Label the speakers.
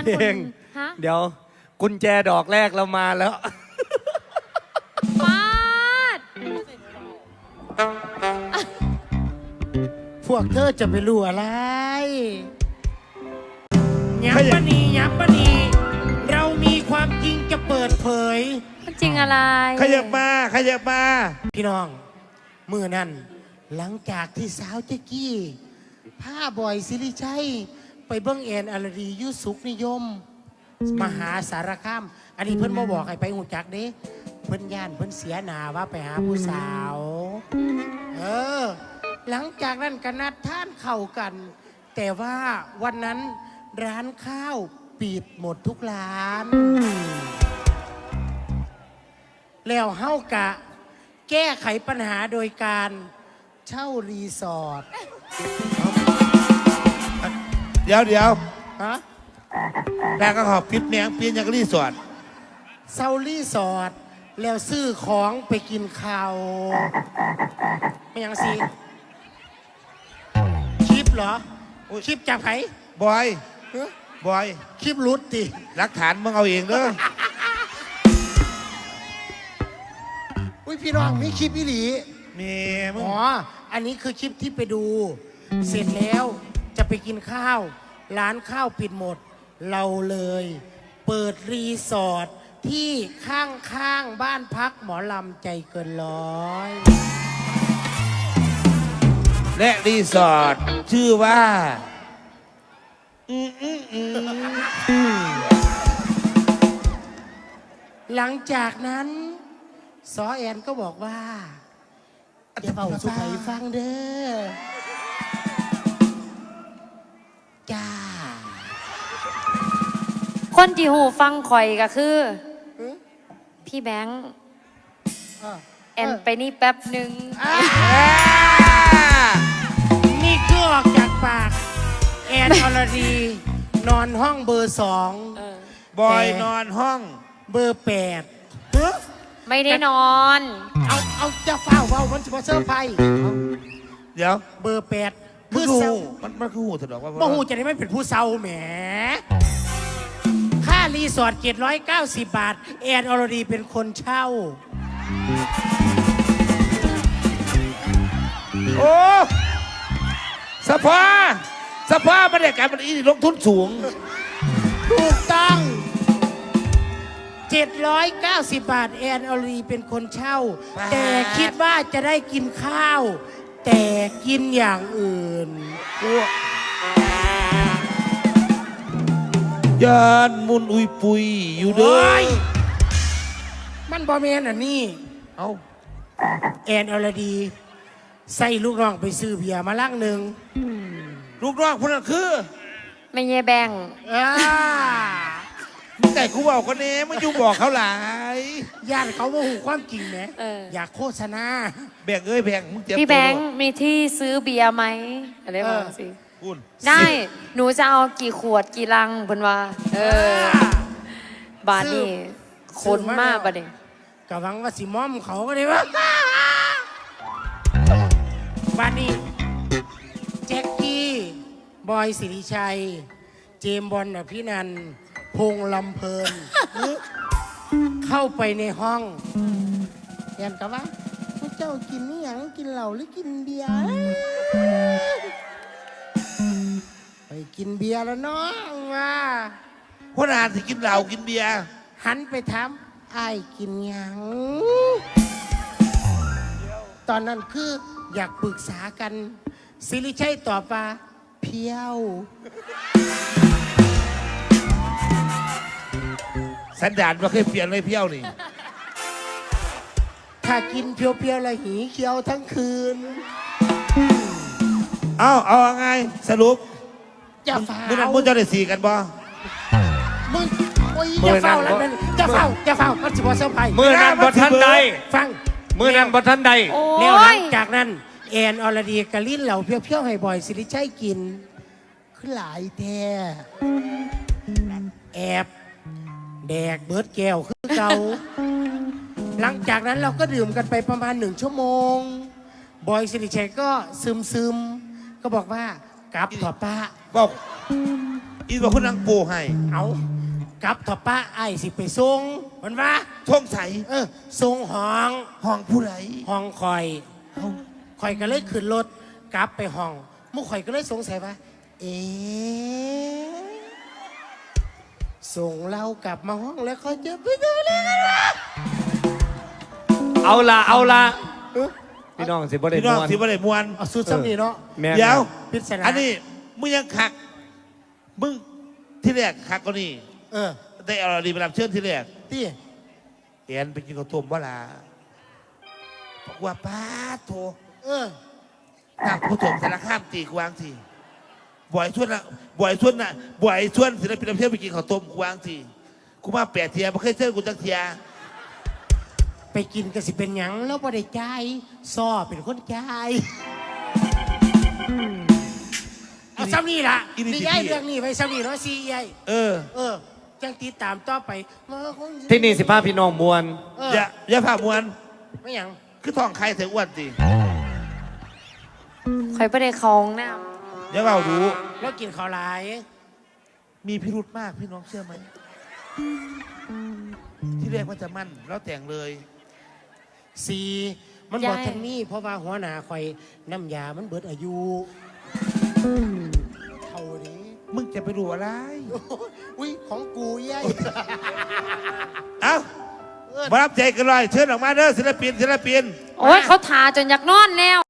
Speaker 1: าน
Speaker 2: เพ
Speaker 1: คุ
Speaker 2: ล
Speaker 1: ณ
Speaker 2: ง
Speaker 1: ฮะ
Speaker 2: เดี๋ยวกุญแจดอกแรกเรามาแล้ว
Speaker 1: ฟาด
Speaker 3: พวกเธอจะไปรู้อะไรยับปะนียับปะนีเรามีความจริงจะเปิดเผย
Speaker 1: มันจริงอะไร
Speaker 4: ขยับมาขยับมา
Speaker 3: พี่น้องมือนั่นหลังจากที่สาวเจ๊กี้ผ้าบอยสิริชัยไปเบิ้งแอนอลดียุสุขนิยม มหาสารคาม อันนี้เพิ่นมาบอกให้ไปหูจักเด้เพิ่นย่านเพิ่นเสียหนาว่าไปหาผู้สาว หลังจากนั้นก็นัดท่านเข้ากัน แต่ว่าวันนั้นร้านข้าวปิดหมดทุกร้าน แล้วเฮากะ แก้ไขปัญหาโดยการเช่ารีสอร์ท
Speaker 4: เดี๋ยว
Speaker 3: ฮะ
Speaker 4: แม่ก็ขอปิดเมียงปีนอย่างรีสอร์ท
Speaker 3: เช่ารีสอร์ทแล้วซื้อของไปกินข้าวไม่ยังสิคลิปเหรอคลิปจากไผ
Speaker 4: บอย
Speaker 3: ฮะ
Speaker 4: บอย
Speaker 3: คลิปรุดติ
Speaker 4: หลักฐานมึงเอาเองเด้อ
Speaker 3: อุ้ยพี่น้องมีคลิปอีหลี
Speaker 4: มีมึง
Speaker 3: อ๋ออันนี้คือคลิปที่ไปดู เสร็จแล้วจะไปกินข้าว ร้านข้าวปิดหมด เราเลย เปิดรีสอร์ทที่ข้างๆบ้านพักหมอลำใจเกินร้อย
Speaker 4: และรีสอร์ทชื่อว่า
Speaker 3: หลังจากนั้นซอแอนก็บอกว่าอย่าเบาสุไผฟังเด้อจ้า
Speaker 1: คนที่หูฟังข่อยก็คือ พี่แบงค์แอนไปนี่แป๊บหนึ่ง
Speaker 3: นี่คือออกจากปากแอนอรดี นอนห้องเบอร์2
Speaker 4: บอยนอนห้อง
Speaker 3: เบอร์8
Speaker 1: ไม่ได้นอน
Speaker 3: เอาจะเฝ้ามันจะมาเซอร์ไพรส์
Speaker 4: เดี๋ยว
Speaker 3: เบอร์8
Speaker 4: มั
Speaker 3: คื
Speaker 4: น
Speaker 3: อ
Speaker 4: คือ
Speaker 3: เศร้า
Speaker 4: หูมันคือหูถนอกว่า
Speaker 3: บ่หูจะได้ไม่เป็นผู้เศร้าแหม ค่ารีสอร์ท790 บาท แอนอรดีเป็นคนเช่า
Speaker 4: โอ้สภาบรรยากาศมันอีนี่ลงทุนสูง
Speaker 3: ถูกต้อง 790 บาท แอนอรดีเป็นคนเช่า แต่คิดว่าจะได้กินข้าว แต่กินอย่างอื่น
Speaker 4: ยานมุนอุยปุยอยู่เด้
Speaker 3: โอ้
Speaker 4: อย
Speaker 3: มันบอแมนอ่ะนี่
Speaker 4: เอา
Speaker 3: แอนอรดี ใส่ลูกน้องไปซื้อเบียร์มาลังหนึ่ง
Speaker 4: ลูกน้องคนนั้นคือ
Speaker 1: ไม่เย่แบงค์
Speaker 3: อ่า
Speaker 4: แต่กูบอกคนนี้มันอยู่บอกเขาหลาย
Speaker 3: ญาติเขาโมโหความจริงไหมอยากโฆษณา
Speaker 4: แบ่งแบ่งมึงเจ็บ
Speaker 1: พี่
Speaker 4: ตั
Speaker 1: แบ
Speaker 4: ว
Speaker 1: งค์มีที่ซื้อเบียร์ไหมอะไรบ้างสิ
Speaker 4: คุณ
Speaker 1: ได้ หนูจะเอากี่ขวดกี่ลังเพิ่นว่า บาทนี่คนมากประเด็น
Speaker 3: กะวังว่าสิมอมเขาก็ได้ว่าบ้านนี้แจ็คกี้บอยสิริชัย เจมส์บอลอภินันท์พงษ์ลำเพลิน เข้าไปในห้องแอนกับว่าพวกเจ้ากินนี่ยังกินเหล้าหรือกินเบียร์ไปกินเบียร์แล้วน้องว่า
Speaker 4: คนอ่านสิกินเหล้ากินเบียร์
Speaker 3: หันไปถามไอ้ายกินหยังตอนนั้นคืออยากปรึกษากันสิริชัยตอบว่าเพียว
Speaker 4: สันดานว่าเคยเปลี่ยนเลยเพี้ยวนี่
Speaker 3: ถ้ากินเพียวๆแล้วหีเขียวทั้งคืน
Speaker 4: เอาไงสรุป
Speaker 3: อย่าฝ่า
Speaker 4: มึงนั่นมึงจะได้สีกันบ่
Speaker 3: มึงโอ้ยอย่าเฝ้าแล้วมันอย่าเฝ้ามันสิบอเซอร์ไพรส์
Speaker 2: มือนั้นบททันใด
Speaker 3: ฟัง
Speaker 2: มือนั้นบททันใด
Speaker 1: โอ้
Speaker 3: แล้วหลั
Speaker 1: ย
Speaker 3: งจากนั้นแอนอรดีกะลิ้นเหล่าเพียวๆให้บ่อยสิริชัยกินคือหลายแท้แอบแดกเบิร์ดแก้วคือเก่า หลังจากนั้นเราก็ดื่มกันไปประมาณ1 ชั่วโมง บอยสิริชัยก็ซึมก็บอกว่ากลับเถอะป้า
Speaker 4: บอกอีบอกคุณนางปูให้
Speaker 3: เอากลับเถอะป้าไอ้ายสิไปส่งมันว่า
Speaker 4: ท่องใส
Speaker 3: ส่งห้อง
Speaker 4: ห้องผู้ใด
Speaker 3: ห้องคอยคอยก็เลยขึ้นรถกลับไปห้องหมู่ข่อยก็เลยสงสัยว่าเอ๊ะส่งเรากลับมาห้องแล้วเขาจะไปดูแลกันวะ
Speaker 2: เอาละพี่น้องสิบ่ได้
Speaker 4: พี่น้อง
Speaker 2: ม่วน
Speaker 4: ที่บ่ได้มวน
Speaker 3: เอาสุดซ้ำนี่เนาะ
Speaker 2: แม่น
Speaker 4: เดี๋ยว
Speaker 3: พิศนา
Speaker 4: อันนี้มึงยังขัก มึงที่แรกขักก็นี่ ได้เอาดีมารับเชิญที่แรก
Speaker 3: ตี้
Speaker 4: เอ็นไปกินข้าวต้มบ่ล่ะบอกว่าป้าโทนั่งผู้ถมสารข้ามตีกวางทีบ่อยชวนนะบ่อยชวนนะบ่อยชวนศิลปินรับเชิญไปกินข้าวต้มกวางทีกูมา8 เทียไม่เคยเชิญกูจักเทีย
Speaker 3: ไปกินกันสิเป็นหยังแล้วบ่ได้จ่ายซ้อเป็นคนจ่ายเอาซ้ำนี่ล่ะนี่ย้ายเรื่องนี้ไปซ้ำนี่เนาะซีใหญ่จังติดตามต่อไปมาคง
Speaker 2: ที่นี่สิพาพี่น้องมวน
Speaker 4: อย่าผ่ามวน
Speaker 3: ไม่หยัง
Speaker 4: คือท้องใครเสียอ้วนสิ
Speaker 1: ข่อยบ่ได้เข้าห้องน้
Speaker 4: อย่าเบาดู
Speaker 3: แล้วกินข้าวหลาย
Speaker 4: มีพิรุธมากพี่น้องเชื่อไหมที่แรกว่าจะมั่นแล้วแต่งเลย
Speaker 3: สี่มันบอกทางนี้เพราะว่าหัวหน้าคอยน้ำยามันเบิดอายุเท่านี้
Speaker 4: มึงจะไปรู้อะไร
Speaker 3: อุ้ยของกูยัย
Speaker 4: เอ้ามารับใจกันเลยเชิญออกมาเด้อศิลปิน
Speaker 1: ำโอ้ยเขาทาจนอยากนอนแล้ว